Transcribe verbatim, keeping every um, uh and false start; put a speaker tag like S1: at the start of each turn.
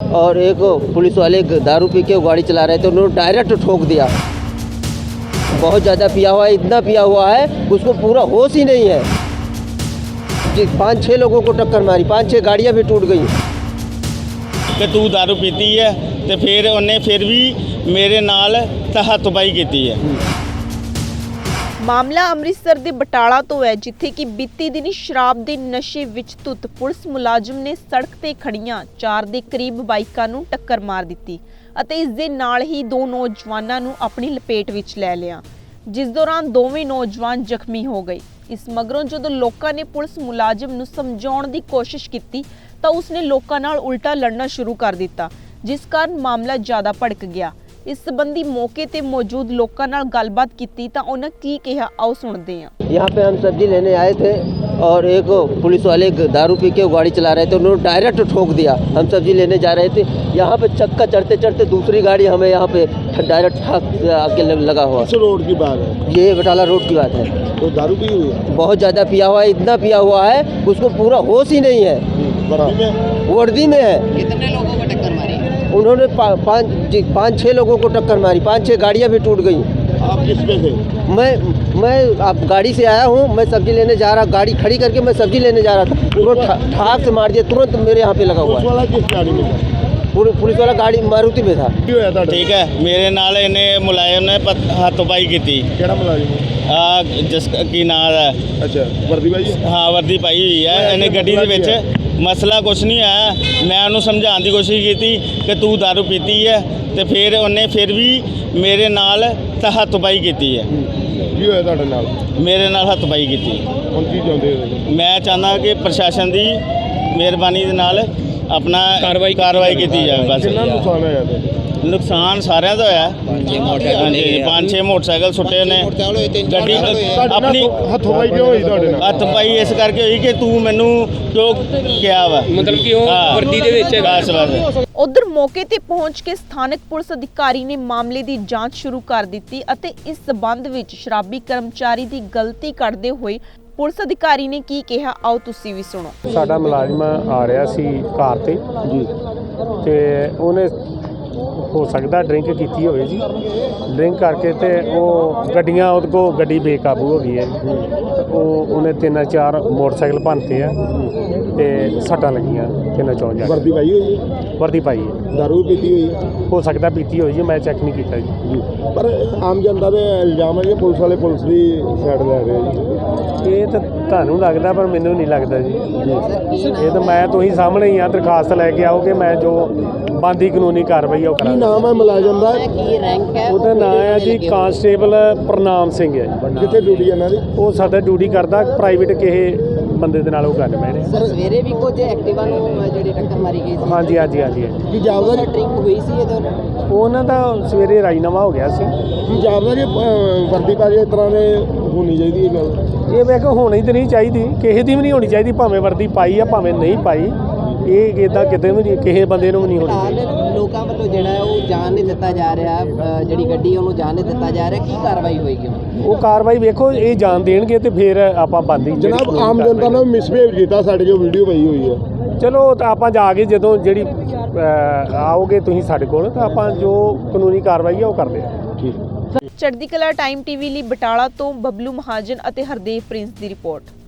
S1: और एक पुलिस वाले दारू पी के गाड़ी चला रहे थे, उन्होंने डायरेक्ट ठोक दिया। बहुत ज़्यादा पिया हुआ है, इतना पिया हुआ है उसको पूरा होश ही नहीं है जी। पाँच छः लोगों को टक्कर मारी, पाँच छः गाड़ियाँ भी टूट गई।
S2: कि तू दारू पीती है तो फिर उन्हें फिर भी मेरे नाल हथबाई की है।
S3: ਮਾਮਲਾ ਅੰਮ੍ਰਿਤਸਰ ਦੇ ਬਟਾਲਾ ਤੋਂ ਹੈ, ਜਿੱਥੇ ਕਿ ਬੀਤੀ ਦਿਨੀ ਸ਼ਰਾਬ ਦੇ ਨਸ਼ੇ ਵਿੱਚ ਧੁੱਤ ਪੁਲਿਸ ਮੁਲਾਜ਼ਮ ਨੇ ਸੜਕ ਤੇ ਖੜੀਆਂ ਚਾਰ ਦੇ ਕਰੀਬ ਬਾਈਕਾਂ ਨੂੰ ਟੱਕਰ ਮਾਰ ਦਿੱਤੀ ਅਤੇ ਇਸ ਦੇ ਨਾਲ ਹੀ ਦੋ ਨੌਜਵਾਨਾਂ ਨੂੰ ਆਪਣੀ ਲਪੇਟ ਵਿੱਚ ਲੈ ਲਿਆ, ਜਿਸ ਦੌਰਾਨ ਦੋਵੇਂ ਨੌਜਵਾਨ ਜ਼ਖਮੀ ਹੋ ਗਏ। ਇਸ ਮਗਰੋਂ ਜਦੋਂ ਲੋਕਾਂ ਨੇ ਪੁਲਿਸ ਮੁਲਾਜ਼ਮ ਨੂੰ ਸਮਝਾਉਣ ਦੀ ਕੋਸ਼ਿਸ਼ ਕੀਤੀ ਤਾਂ ਉਸਨੇ ਲੋਕਾਂ ਨਾਲ ਉਲਟਾ ਲੜਨਾ ਸ਼ੁਰੂ ਕਰ ਦਿੱਤਾ, ਜਿਸ ਕਾਰਨ ਮਾਮਲਾ ਜ਼ਿਆਦਾ ਭੜਕ ਗਿਆ। इस संबंधी मौके ते मौजूद लोगों नाल गलबात की तां उन्हें की कहा, आओ सुनते हैं।
S1: यहाँ पे हम सब्जी लेने आए थे और एक पुलिस वाले दारू पी के गाड़ी चला रहे थे, उन्होंने डायरेक्ट ठोक दिया। हम सब्जी लेने जा रहे थे, यहाँ पे चक्का चढ़ते चढ़ते दूसरी गाड़ी हमें यहाँ पे डायरेक्ट ठाक आके लगा हुआ।
S4: किस रोड की बात है?
S1: ये बटाला रोड की बात है।
S4: तो दारू पी हुई है?
S1: बहुत ज़्यादा पिया हुआ है, इतना पिया हुआ है उसको पूरा होश ही नहीं है।
S4: वर्दी में
S1: वर्दी में है।
S5: कितने लोगों को टक्कर मारी?
S1: उन्होंने पाँच जी पाँच छः लोगों को टक्कर मारी, पाँच छः गाड़ियाँ भी टूट गई।
S4: आप किस पे थे?
S1: मैं मैं आप गाड़ी से आया हूँ, मैं सब्जी लेने जा रहा, गाड़ी खड़ी करके मैं सब्जी लेने जा रहा था, तुरंत ठाक से मार दिया, तुरंत मेरे यहाँ पे लगा हुआ
S4: पुलिस
S1: है।
S4: वाला किस गाड़ी में था?
S1: पुलिस पुलिस वाला गाड़ी मारुति में था।
S4: की होया ਤੁਹਾਡਾ?
S2: ठीक है, मेरे नाल इन्हें मुलायम ने हथबाई की।
S4: ਕਿਹੜਾ ਮੁਲਾਜ਼ਮ ਹੈ?
S2: आ जिस की नाम है,
S4: ਅੱਛਾ ਵਰਦੀ ਭਾਈ
S2: हाँ वर्दी पाई हुई है। इन्हें गड्डी दे विच मसला कुछ नहीं है। मैं उन्होंने समझाने की कोशिश की थी कि तू दारू पीती है तो फिर उन्हें फिर भी मेरे नाल हथबाई की है।
S4: ਕੀ ਹੋਇਆ ਤੁਹਾਡੇ ਨਾਲ?
S2: मेरे नाल हथबाई की।
S4: ਹੁਣ ਕੀ ਚਾਹੁੰਦੇ ਹੋ?
S2: मैं चाहना कि प्रशासन की मेहरबानी दे नाल अपना कार्रवाई कार्रवाई की जाए। बस
S4: ਕਿੰਨਾ ਨੁਕਸਾਨ ਹੋਇਆ ਤੁਹਾਡਾ?
S2: नुकसान सारे का होया। ਹਾਂਜੀ पाँच छे मोटरसाइकिल सुटे ने ਗੱਡੀ ਆਪਣੀ
S4: ਹੱਥੋਂ ਪਾਈ ਕਿਉਂ ਹੋਈ ਤੁਹਾਡੇ ਨਾਲ?
S2: ਹੱਥ ਪਾਈ ਇਸ ਕਰਕੇ ਹੋਈ ਕਿ ਤੂੰ ਮੈਨੂੰ ਕਿਉਂ ਕਿਹਾ ਵਾ,
S6: ਮਤਲਬ ਕਿ ਉਹ ਵਰਦੀ ਦੇ ਵਿੱਚ ਹੈਗਾ।
S2: ਬਸ ਬਸ
S3: ਉਧਰ ਮੌਕੇ ਤੇ ਪਹੁੰਚ ਕੇ ਸਥਾਨਕ ਪੁਲਿਸ ਅਧਿਕਾਰੀ ਨੇ ਮਾਮਲੇ ਦੀ ਜਾਂਚ ਸ਼ੁਰੂ ਕਰ ਦਿੱਤੀ ਅਤੇ ਇਸ ਸਬੰਧ ਵਿੱਚ ਸ਼ਰਾਬੀ ਕਰਮਚਾਰੀ ਦੀ ਗਲਤੀ ਕੱਢਦੇ ਹੋਏ ਪੁਲਿਸ ਅਧਿਕਾਰੀ ਨੇ ਕੀ ਕਿਹਾ, ਆਓ ਤੁਸੀਂ ਵੀ ਸੁਣੋ।
S7: ਸਾਡਾ ਮੁਲਾਜ਼ਮ ਆ ਰਿਹਾ ਸੀ ਕਾਰ ਤੇ ਜੀ, ਤੇ ਉਹਨੇ ਹੋ ਸਕਦਾ ਡਰਿੰਕ ਕੀਤੀ ਹੋਵੇ ਜੀ। ਡਰਿੰਕ ਕਰਕੇ ਤੇ ਉਹ ਗੱਡੀਆਂ ਉਹਦੇ ਕੋਲ ਗੱਡੀ ਬੇਕਾਬੂ ਹੋ ਗਈ ਹੈ। ਉਹ ਉਹਨੇ ਤਿੰਨ ਚਾਰ ਮੋਟਰਸਾਈਕਲ ਭੰਨਤੇ ਆ ਤੇ ਸੱਟਾਂ ਲੱਗੀਆਂ ਤਿੰਨ ਚੌਂ ਜਾ।
S4: ਵਰਦੀ ਪਾਈ ਹੋਈ ਹੈ?
S7: ਵਰਦੀ ਪਾਈ ਹੈ।
S4: ਦਾਰੂ ਪੀਤੀ ਹੋਈ ਹੈ?
S7: ਹੋ ਸਕਦਾ ਪੀਤੀ ਹੋਈ ਜੀ, ਮੈਂ ਚੈੱਕ ਨਹੀਂ ਕੀਤਾ ਜੀ।
S4: ਪਰ ਆਮ ਜਨਤਾ ਦੇ ਇਲਜ਼ਾਮ ਹੈ ਕਿ ਪੁਲਿਸ ਵਾਲੇ ਪੁਲਿਸ ਦੀ ਸਾਈਡ ਲੈ ਰਹੇ ਜੀ।
S7: ਇਹ ਤਾਂ ਤੁਹਾਨੂੰ ਲੱਗਦਾ, ਪਰ ਮੈਨੂੰ ਨਹੀਂ ਲੱਗਦਾ ਜੀ। ਇਹ ਤਾਂ ਮੈਂ ਤੁਸੀਂ ਸਾਹਮਣੇ ਹੀ ਆ, ਦਰਖਾਸਤ ਲੈ ਕੇ ਆਓਗੇ, ਮੈਂ ਜੋ ਬਣਦੀ ਕਾਨੂੰਨੀ ਕਾਰਵਾਈ ਉਹ
S4: ਕੀ
S7: ਕਰਾਂਗਾ।
S4: ਨਾਮ ਹੈ ਮੁਲਾਜ਼ਮ ਦਾ?
S5: ਕੀ ਰੈਂਕ ਹੈ?
S7: ਉਹਦਾ ਨਾਮ ਹੈ ਜੀ ਕਾਂਸਟੇਬਲ ਪ੍ਰਨਾਮ ਸਿੰਘ ਹੈ ਜੀ।
S4: ਕਿੱਥੇ ਡਿਊਟੀ ਇਹਨਾਂ ਦੀ?
S7: ਉਹ ਸਾਡਾ ਡਿਊਟੀ ਕਰਦਾ ਪ੍ਰਾਈਵੇਟ ਕਿਸੇ ਬੰਦੇ ਦੇ ਨਾਲ ਉਹ ਗੱਲ ਬੈਠੇ।
S5: ਸਰ ਸਵੇਰੇ ਵੀ ਕੁਝ ਐਕਟਿਵਾ ਨੂੰ ਜਿਹੜੀ ਟੱਕਰ ਮਾਰੀ ਗਈ ਸੀ।
S7: ਹਾਂਜੀ ਹਾਂਜੀ ਹਾਂਜੀ ਹਾਂਜੀ।
S4: ਕੀ ਜਾਪਦਾ ਜੀ?
S5: ਡਰਿੰਕ ਹੋਈ ਸੀ ਇਹਦੇ ਨਾਲ?
S7: ਉਹਨਾਂ ਦਾ ਸਵੇਰੇ ਰਾਜੀਨਾਮਾ ਹੋ ਗਿਆ ਸੀ।
S4: ਕੀ ਜਾਪਦਾ ਜੀ ਅਹ, ਵਰਦੀ ਪਾ ਕੇ ਇਸ ਤਰ੍ਹਾਂ ਦੇ ਹੋਣੀ ਚਾਹੀਦੀ ਇਹ ਗੱਲ?
S7: ਇਹ ਮੈਂ ਕਿਹਾ ਹੋਣੀ ਤਾਂ ਨਹੀਂ ਚਾਹੀਦੀ, ਕਿਸੇ ਦੀ ਵੀ ਨਹੀਂ ਹੋਣੀ ਚਾਹੀਦੀ, ਭਾਵੇਂ ਵਰਦੀ ਪਾਈ ਆ ਭਾਵੇਂ ਨਹੀਂ ਪਾਈ। ਇਹ ਇੱਦਾਂ ਕਿਤੇ ਵੀ ਨਹੀਂ, ਕਿਸੇ ਬੰਦੇ ਨੂੰ ਵੀ ਨਹੀਂ ਹੋਣੀ ਚਾਹੀਦੀ।
S5: ਫਿਲਹਾਲ ਲੋਕਾਂ ਵੱਲੋਂ ਜਿਹੜਾ ਹੈ ਉਹ ਜਾਣ ਨਹੀਂ ਦਿੱਤਾ ਜਾ ਰਿਹਾ, ਅ, ਜਿਹੜੀ ਗੱਡੀ ਉਹਨੂੰ ਜਾਣ ਨਹੀਂ ਦਿੱਤਾ ਜਾ ਰਿਹਾ, ਕੀ ਕਾਰਵਾਈ ਹੋਏਗੀ ਹੁਣ?
S7: ਉਹ ਕਾਰਵਾਈ ਵੇਖੋ, ਇਹ ਜਾਣ ਦੇਣਗੇ ਤੇ ਫਿਰ ਆਪਾਂ ਬੰਦੀ।
S4: ਜਨਾਬ ਆਮ ਜਨਤਾ ਨੇ ਮਿਸਬਿਹੇਵ ਕੀਤਾ, ਸਾਡੇ ਜੋ ਵੀਡੀਓ ਪਈ ਹੋਈ ਹੈ।
S7: ਚਲੋ ਤਾਂ ਆਪਾਂ ਜਾ ਕੇ ਜਦੋਂ ਜਿਹੜੀ ਅ, ਆਓਗੇ ਤੁਸੀਂ ਸਾਡੇ ਕੋਲ, ਤਾਂ ਆਪਾਂ ਜੋ ਕਾਨੂੰਨੀ ਕਾਰਵਾਈ ਆ ਉਹ ਕਰਦੇ ਹਾਂ।
S4: ਠੀਕ।
S3: ਚੜ੍ਹਦੀ ਕਲਾ ਟਾਈਮ ਟੀਵੀ ਲਈ ਬਟਾਲਾ ਤੋਂ ਬਬਲੂ ਮਹਾਜਨ ਅਤੇ ਹਰਦੇਵ ਪ੍ਰਿੰਸ ਦੀ ਰਿਪੋਰਟ।